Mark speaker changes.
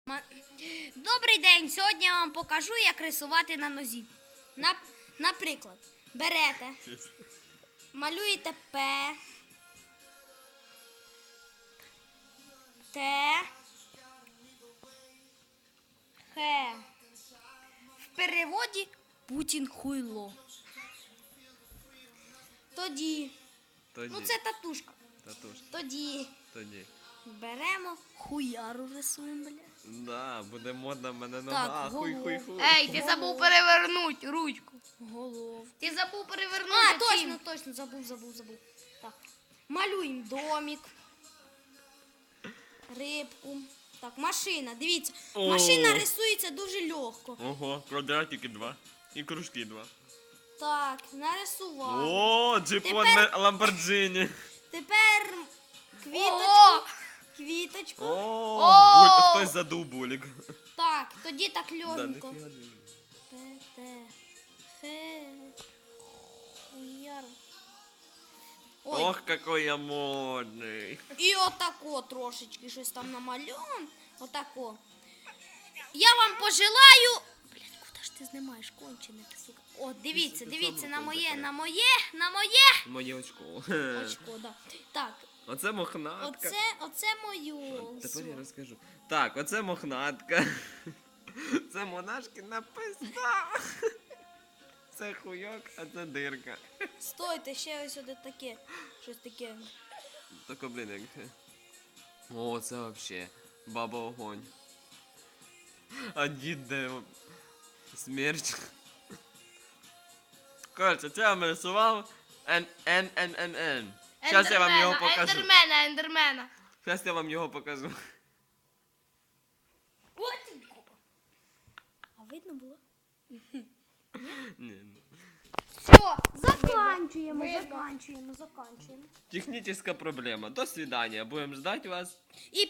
Speaker 1: Добрий день! Сьогодні я вам покажу, як рисувати на нозі. Наприклад, берете, малюєте П, Т, Х. В переводі Путін хуйло. Тоді. Ну це татушка. Тоді. Беремо, хуяру рисуємо, бля.
Speaker 2: Да, буде модно в мене нога.
Speaker 1: Так,
Speaker 2: Хуй.
Speaker 3: Ей, ти забув перевернути ручку.
Speaker 1: Голову.
Speaker 3: Ти забув перевернути.
Speaker 1: Точно, забув. Так. Малюємо домик, рибку. Так, машина, дивіться.
Speaker 2: О.
Speaker 1: Машина рисується дуже легко.
Speaker 2: Ого, квадратики 2. І кружки 2.
Speaker 1: Так, нарисували.
Speaker 2: О, джипон Ламборджині.
Speaker 1: Тепер
Speaker 3: Ого!
Speaker 1: квіточку.
Speaker 2: О, хтось задув булік.
Speaker 1: Так, тоді так
Speaker 2: Да,
Speaker 1: легенько.
Speaker 2: ніфіга не вижу.
Speaker 1: Т, Х, хуяр. Ой,
Speaker 2: Ох, какой я модний.
Speaker 1: і отако трошечки щось там намальовано. Отако. Я вам пожелаю... Блядь, куди ж ти знімаєш, кончене ти, сука. О, дивіться на моє.
Speaker 2: Моє очко.
Speaker 1: Очко, да. Так,
Speaker 2: Оце мохнатка.
Speaker 1: оце моє.
Speaker 2: Тепер я розкажу. Так, оце мохнатка. Це монашкина пизда. Це хуйок, а це дирка.
Speaker 1: Стойте, ще ось сюди таке. Щось таке.
Speaker 2: Тако, блін, як... О, це вообще баба огонь. А дід де смерч. Короче, це я вам рисував Н. Зараз я вам його покажу.
Speaker 3: Ендермена.
Speaker 2: Зараз я вам його покажу.
Speaker 1: А видно було?
Speaker 2: Ні.
Speaker 1: Все, заканчуємо.
Speaker 2: Технічна проблема. До свидання. Будемо ждать вас.
Speaker 1: І